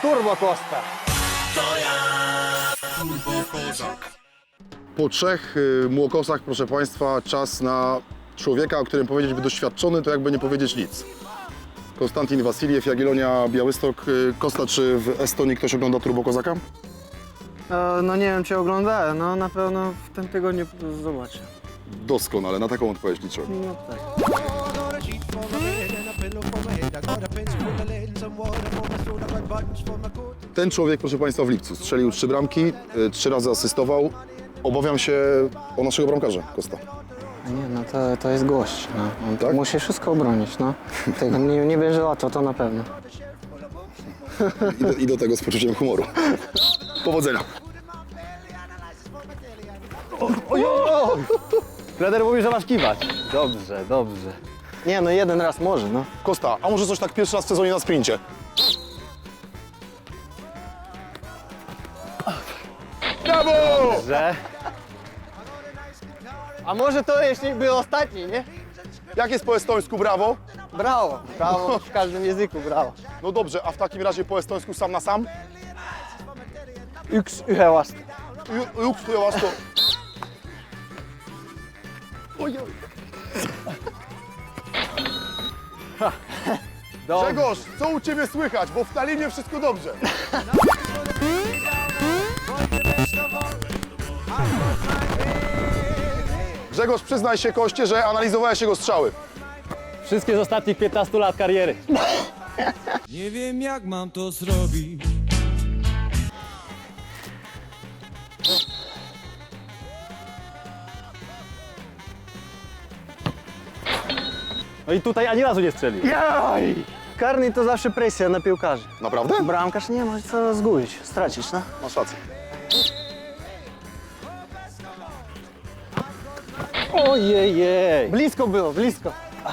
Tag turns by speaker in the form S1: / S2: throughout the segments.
S1: Turbo Costa.
S2: Po 3 młokosach, proszę Państwa, czas na człowieka, o którym powiedzieć by doświadczony, to jakby nie powiedzieć nic. Konstantin Wasiliew, Jagiellonia, Białystok. Kosta, czy w Estonii ktoś ogląda Turbo Kozaka?
S1: No nie wiem, czy oglądałem, no na pewno w tym tygodniu zobaczę.
S2: Doskonale, na taką odpowiedź liczyłem.
S1: No tak.
S2: Ten człowiek, proszę Państwa, w lipcu strzelił 3 bramki, 3 razy asystował. Obawiam się o naszego bramkarza, Kosta.
S1: Nie, no to jest gość, no. On
S2: Tak?
S1: musi wszystko obronić, no. Tego nie będzie łatwo, to na pewno.
S2: I do tego z poczuciem humoru. Powodzenia.
S3: Trener mówi, że masz kiwać. Dobrze, dobrze.
S1: Nie, no jeden raz może, no.
S2: Kosta, a może coś tak pierwszy raz w sezonie na sprincie? Brawo!
S3: Że?
S1: A może to jeśli był ostatni, nie?
S2: Jak jest po estońsku brawo?
S1: Brawo, brawo w każdym języku, brawo.
S2: No dobrze, a w takim razie po estońsku sam na sam?
S1: Yksi yhden vasta.
S2: Juks, to ja was to... Oj, oj. Grzegorz, co u Ciebie słychać? Bo w Tallinie wszystko dobrze. Grzegorz, przyznaj się, Koście, że analizowałeś jego strzały.
S3: Wszystkie z ostatnich 15 lat kariery.
S4: Nie wiem jak mam to zrobić.
S3: No i tutaj ani razu nie strzelił.
S1: Jaj! Karny to zawsze presja na piłkarzy.
S2: Naprawdę?
S1: Bramkarz nie może co zgubić, stracić, no.
S2: Masz rację.
S3: Ojej.
S1: Blisko było, blisko.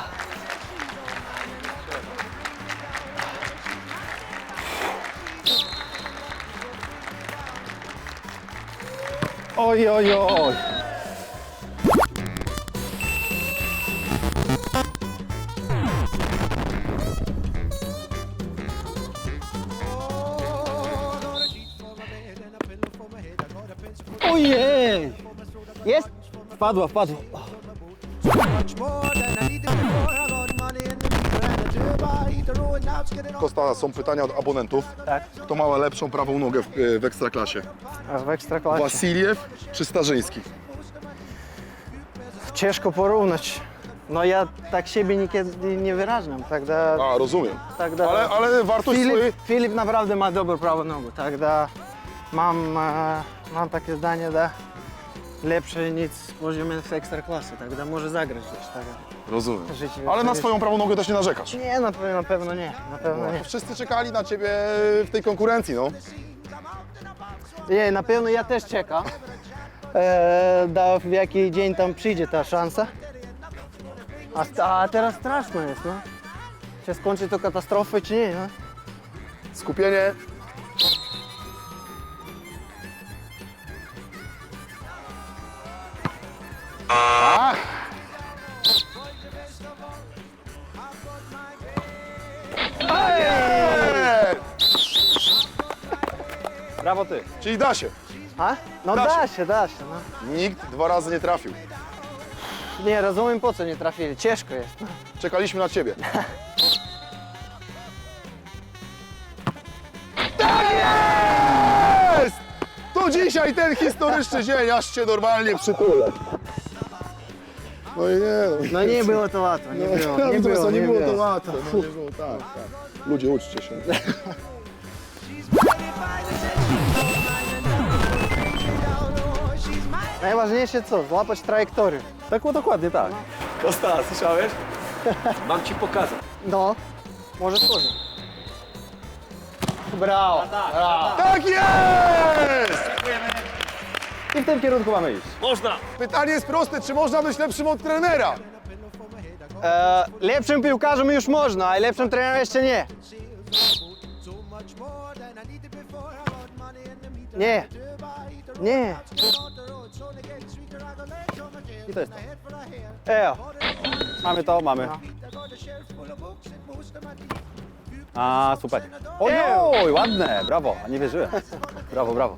S3: Oj, oj, oj.
S1: Ojej! Jest?
S3: Wpadła, wpadła.
S2: Kosta, są pytania od abonentów.
S1: Tak.
S2: Kto ma lepszą prawą nogę w Ekstraklasie?
S1: A w Ekstraklasie.
S2: Wasiliew czy Starzyński?
S1: Ciężko porównać. No ja tak siebie niekiedy nie wyrażam, тогда...
S2: A, rozumiem.
S1: Тогда...
S2: Ale wartość swojej...
S1: Filip naprawdę ma dobrą prawą nogę, тогда mam takie zdanie, da lepsze niż poziomie w Ekstraklasy, тогда może zagrać gdzieś, tak?
S2: Rozumiem.
S1: Życie-
S2: Ale na swoją prawą nogę też nie narzekasz.
S1: Nie, na pewno nie, na pewno nie.
S2: Wszyscy czekali na Ciebie w tej konkurencji, no.
S1: Nie, na pewno ja też czekam, da w jaki dzień tam przyjdzie ta szansa. A teraz straszno jest, no. Czy skończy to katastrofę, czy nie, no?
S2: Skupienie. Ach! Ej!
S3: Brawo ty.
S2: Czyli da się.
S1: A? No
S2: Da
S1: da się, no.
S2: Nikt 2 razy nie trafił.
S1: Nie, rozumiem po co nie trafili, ciężko jest. No.
S2: Czekaliśmy na Ciebie. Tak jest! To dzisiaj ten historyczny dzień, aż Cię normalnie przytulę. No i nie,
S1: No nie było to łatwo, nie było,
S2: nie było to łatwe. No, nie było, tak, tak. Ludzie, uczcie się.
S1: Najważniejsze co? Złapać trajektorię.
S3: Tak było dokładnie tak. Kosta, słyszałeś? Mam ci pokazać.
S1: No, może tworzyć. Brawo, brawo.
S2: Tak jest!
S3: I w tym kierunku mamy iść.
S2: Pytanie jest proste, czy można być lepszym od trenera?
S1: Lepszym piłkarzem już można, a lepszym trenerem jeszcze nie. Nie. Nie.
S3: I to jest to.
S1: Ejo.
S3: Mamy to, mamy.
S5: A, super. Oj, ładne, brawo, nie wierzyłem. Brawo, brawo.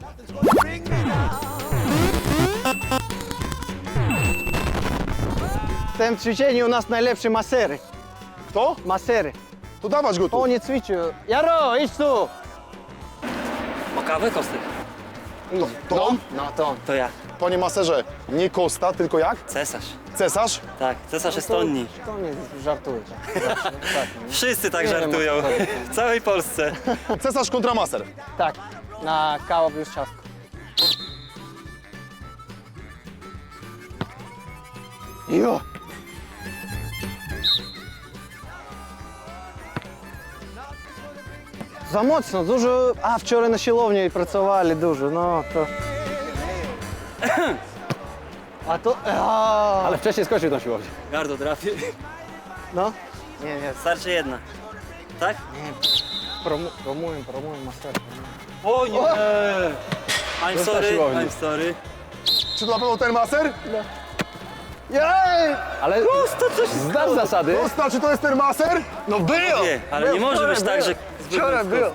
S1: W tym ćwiczeniu u nas najlepszy masery.
S2: Kto?
S1: Masery.
S2: To dawać go tu.
S1: Oni ćwiczą. Jaro, idź tu!
S6: O kawę, Kostek?
S2: To on?
S1: No to on.
S6: To ja,
S2: Panie maserze, nie Kosta, tylko jak?
S6: cesarz.
S2: Cesarz?
S6: Tak, cesarz Estonii.
S1: To nie żartuje. Tak,
S6: Wszyscy tak
S1: Nie wiem,
S6: żartują.
S1: o co chodzi.
S6: W całej Polsce.
S2: Cesarz kontra maser.
S1: tak. Na kawę plus ciastko. Jo! Za mocno, dużo. A wczoraj na siłowni pracowali dużo, no to. A to.
S5: Ale wcześniej skończył tą siłownię.
S6: Gardło trafię.
S1: No? Nie, nie,
S6: Starczy jedna. Tak?
S1: promuję master.
S6: O nie! I'm
S5: Został
S6: sorry,
S5: siłowni.
S6: I'm sorry.
S2: Czy to na pewno ten maser?
S1: Jej!
S5: Ale znasz zasady.
S2: Kosta, czy to jest ten maser?
S1: No był!
S6: Nie, ale nie może być tak, że
S1: Wczoraj był.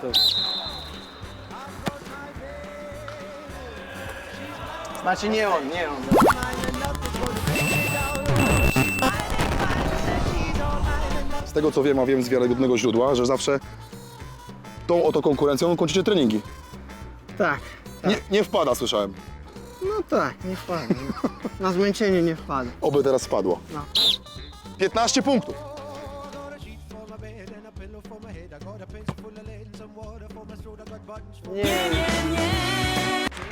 S1: Znaczy nie on, nie on.
S2: Z tego co wiem, a wiem z wiarygodnego źródła, że zawsze tą oto konkurencją kończycie treningi.
S1: Tak.
S2: Nie wpada, słyszałem.
S1: No tak, nie wpadł. Na zmęczenie nie wpadł.
S2: Oby teraz wpadło.
S1: No.
S2: 15 punktów.
S1: Nie, nie.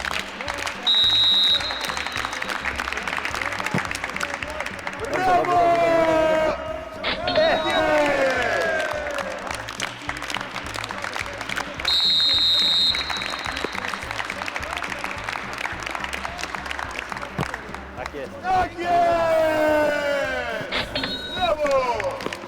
S2: Tak jest! Brawo!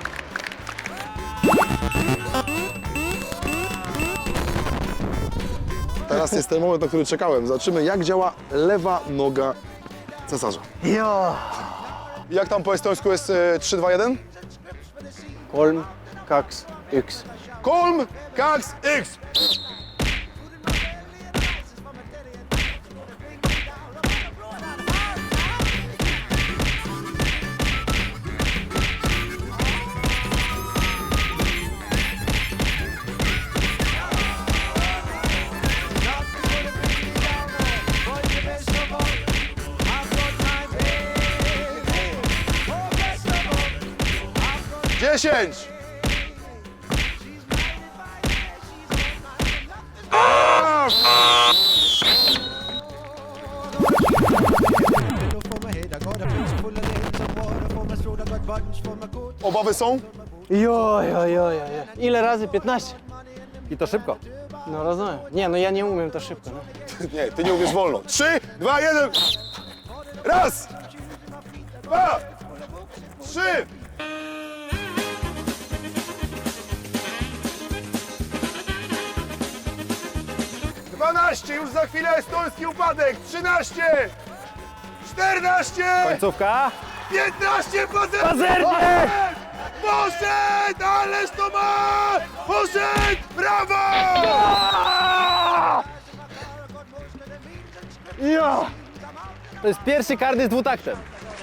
S2: Teraz jest ten moment, na który czekałem. Zobaczymy, jak działa lewa noga cesarza.
S1: Jo!
S2: Jak tam po estońsku jest 3-2-1?
S1: Kolm, kaks, yks.
S2: Kolm, kaks, x! Dziesięć! Obawy są?
S1: Jo. Ile razy? 15?
S5: I to szybko.
S1: No rozumiem. Nie, no ja nie umiem to szybko. No.
S2: Nie, ty nie umiesz wolno. 3, 2, 1. Raz! 2! 3! Dwanaście, już za chwilę estoński upadek. 13! 14!
S5: Końcówka.
S2: 15! Pazernie! Poszedł! Ależ to ma! Poszedł! Brawo!
S1: Jo!
S5: To jest pierwszy karny z dwutaktem.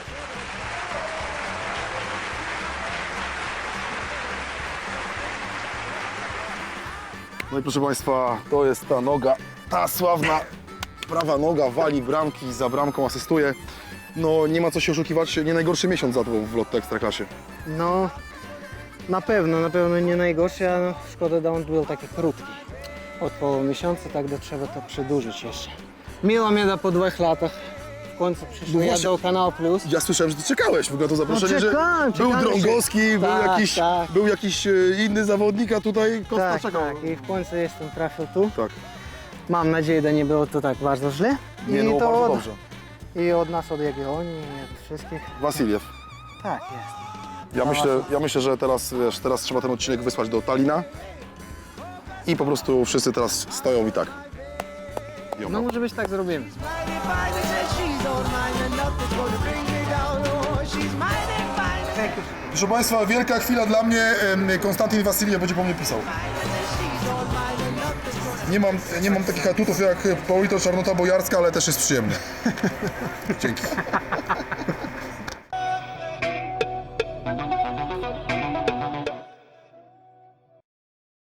S2: No i proszę Państwa, to jest ta noga, ta sławna prawa noga, wali bramki, za bramką asystuje. No nie ma co się oszukiwać, nie najgorszy miesiąc za to w Lotto Ekstraklasie.
S1: No, na pewno nie najgorszy, a no, szkoda, że on był taki krótki. Od połowy miesiąca, tak to trzeba to przedłużyć jeszcze. Miło mnie da po 2 latach. W końcu przyszły
S2: No
S1: ja
S2: właśnie.
S1: do Kanał Plus.
S2: Ja słyszałem, że ty czekałeś w ogóle to zaproszenie,
S1: No czekałem,
S2: że był
S1: czekałem się.
S2: Drągowski,
S1: Tak.
S2: był jakiś inny zawodnik, a tutaj Kosta
S1: Tak,
S2: czekał.
S1: tak. I w końcu jestem trafił tu.
S2: Tak.
S1: Mam nadzieję, że nie było to tak bardzo źle.
S2: Nie,
S1: I
S2: no
S1: to
S2: bardzo
S1: od,
S2: dobrze.
S1: I od nas, od Jagiellonii, i od wszystkich.
S2: Wasiliew.
S1: Tak, jest.
S2: Ja myślę, że teraz, wiesz, teraz trzeba ten odcinek wysłać do Talina i po prostu wszyscy teraz stoją i tak.
S1: No może być tak zrobimy.
S2: Proszę Państwa, wielka chwila dla mnie. Konstantin Wasiliew będzie po mnie pisał. Nie mam takich atutów jak Paulito Czarnota Bojarska, ale też jest przyjemnie. Dzięki.